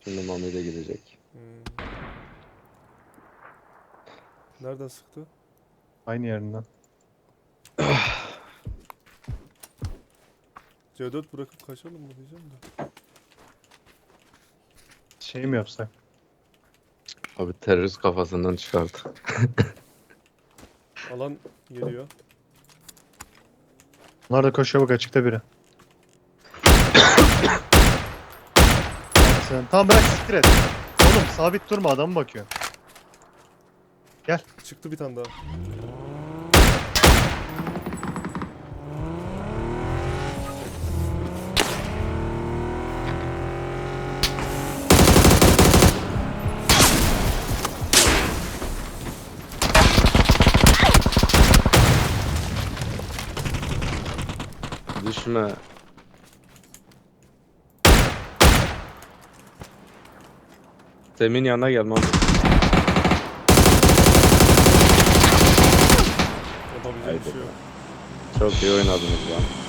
Şimdi Mami de gidecek. Nereden sıktı? Aynı yerinden. C4 bırakıp kaçalım mı diyeceğim de. Şey mi yapsak? Abi terörist kafasından çıkardı. Alan geliyor. Bunlar da koşuyor bak açıkta biri. Sen tamam bırak siktir et. Oğlum sabit durma adam bakıyor. Çıktı bir tane daha. Düşme. Semih'in yanına gel Mami. Yapabileceğim bir Haydi şey yok. be. Çok iyi oynadınız lan.